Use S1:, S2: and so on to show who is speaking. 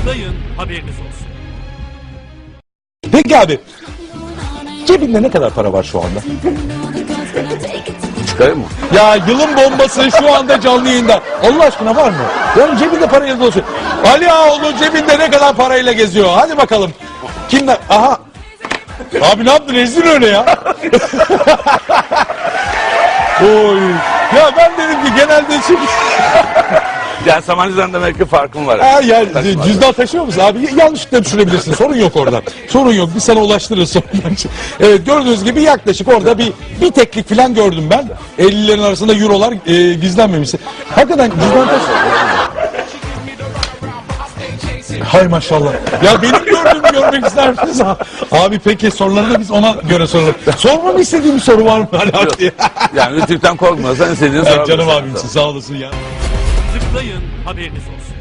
S1: Tıklayın, haberiniz olsun.
S2: Peki abi, cebinde ne kadar para var şu anda?
S3: Çıkarayım mı?
S2: Ya yılın bombası şu anda canlı yayında. Allah aşkına var mı? Yani cebinde parayla dolaşıyor. Ali Ağaoğlu cebinde ne kadar parayla geziyor? Hadi bakalım. Kimler? Aha. Abi ne yaptın? Rezil öyle ya. Oy. Ya ben dedim ki genelde
S3: Yani Sabancı'dan demek ki farkım var.
S2: Ha, ya cüzdan taşıyor musun abi? Yanlışlıkla düşürebilirsin. Sorun yok oradan. Sorun yok. Biz sana ulaştırırız sonra. Evet, gördüğünüz gibi yaklaşık orada bir teklik falan gördüm ben. 50'lerin arasında eurolar gizlenmemiş. Hakikaten cüzdan taşıyor. Hay maşallah. Ya benim gördüğümü görmek ister misiniz? Abi peki soruları da biz ona göre soralım. Sormamı istediğim bir soru var mı?
S3: Yani Rütük'ten korkmasan istediğini sorabilirsin.
S2: Canım abimsin, sağ olasın ya.
S1: Tıklayın, haberiniz olsun.